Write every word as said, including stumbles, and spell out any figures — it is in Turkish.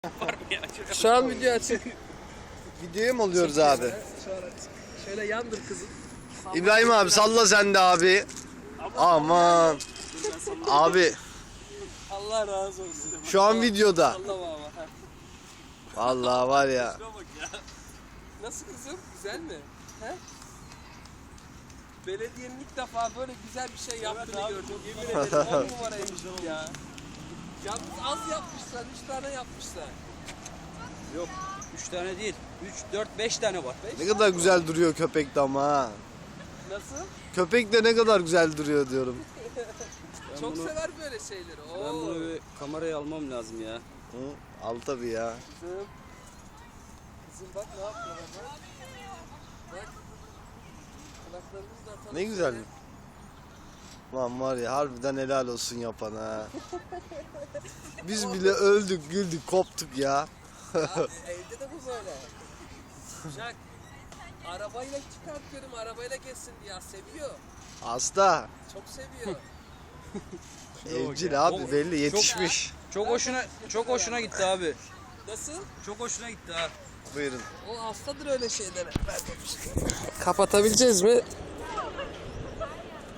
Var mı ya? Şu an video açık. Videoya mı alıyoruz abi? Şu an açık. Şöyle yandır kızım. İbrahim abi salla sen de abi. Aman. Abi Allah razı olsun. şu an videoda. Allah baba. Ha. Vallahi var ya. Şuna bak ya. Nasıl kızım? Güzel mi? He? Belediyenin ilk defa böyle güzel bir şey yaptığını abi, gördüm. çok Yemin ederim on numaraymış ya. Yalnız az yapmışlar, üç tane yapmışlar. Yok. Üç tane değil. Üç, dört, beş tane var. Ne kadar güzel duruyor köpek de ama ha. Nasıl? Köpek de ne kadar güzel duruyor diyorum. Çok bunu- sever böyle şeyleri. Oo. Ben bunu bir kameraya almam lazım ya. Hı? Al tabii ya. Kızım. Kızım bak ne yapıyor bak. Bak. Kulaklarımızı da atalım. Ne güzel. Lan var ya harbiden helal olsun yapan ha. Biz bile öldük güldük koptuk ya. Abi, evde de bu böyle. Jack. Arabayla çıkartıyorum, arabayla geçsin diye seviyor. Hasta. Çok seviyor. Evcil abi belli yetişmiş. Çok hoşuna çok hoşuna gitti abi. Nasıl? Çok hoşuna gitti ha. Buyurun. O hastadır öyle şeylere. Kapatabileceğiz mi?